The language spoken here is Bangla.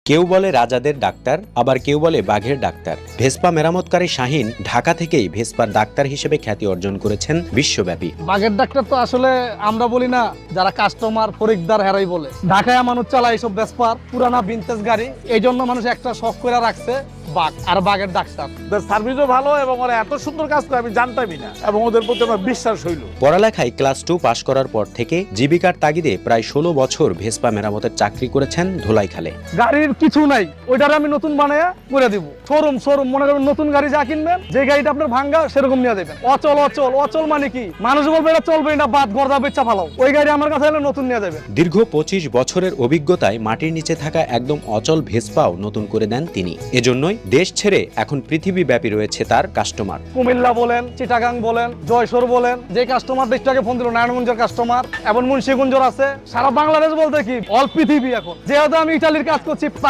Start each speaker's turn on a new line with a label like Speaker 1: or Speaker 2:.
Speaker 1: কেউ বলে রাজাদের ডাক্তার, আবার কেউ বলে বাঘের ডাক্তার। ভেসপা মেরামতকারী শাহিন ঢাকা থেকেই ভেসপার ডাক্তার হিসেবে খ্যাতি অর্জন করেছেন বিশ্বব্যাপী।
Speaker 2: বাঘের ডাক্তার তো আসলে আমরা বলি না, যারা কাস্টমার ফরিকদার হেরাই বলে। ঢাকায় মানুষ চালায় এইসব ভেসপার পুরানা ভিনটেজ গাড়ি, এই জন্য মানুষ একটা শখ করে রাখছে বাঘ আর বাঘের ডাক্তার।
Speaker 3: ওদের সার্ভিসও ভালো এবং ওরা এত সুন্দর কাজ করে আমি জানতামই না, এবং ওদের প্রতি আমার বিশ্বাস হইল।
Speaker 1: পড়ালেখায় ক্লাস 2 পাশ করার পর থেকে জীবিকার তাগিদে প্রায় 16 বছর ভেসপা মেরামতের চাকরি করেছেন ধোলাইখালে।
Speaker 2: গাড়ির কিছু নাই, ওইটার আমি নতুন বানায়া করে দিব। শোরুম মনে করেন নতুন গাড়ি যা কিনবেন, যে গাড়িটা আপনার ভাঙ্গা সেরকম নিয়ে দেবেন। অচল মানে কি, মানুষ বলবে এটা চলবে না, বাদ গর্দা বেচা ভালো, ওই গাড়ি আমার কাছে এলে নতুন নিয়ে দেবেন।
Speaker 1: দীর্ঘ 25 বছরের অভিজ্ঞতায় মাটির নিচে থাকা একদম অচল ভেসপাও নতুন করে দেন তিনি। এজন্যই দেশ ছেড়ে এখন পৃথিবীব্যাপী রয়েছে তার কাস্টমার।
Speaker 2: কুমিল্লা বলেন, চিটাগাং বলেন, জয়সর বলেন, যে কাস্টমার দেশটাকে ফোন দিল নারায়ণগঞ্জের কাস্টমার, এবং মুন্সিগঞ্জের আছে। সারা বাংলাদেশ বলতে কি অল পৃথিবী এখন। যেহেতু আমি ইটালির কাজ করছি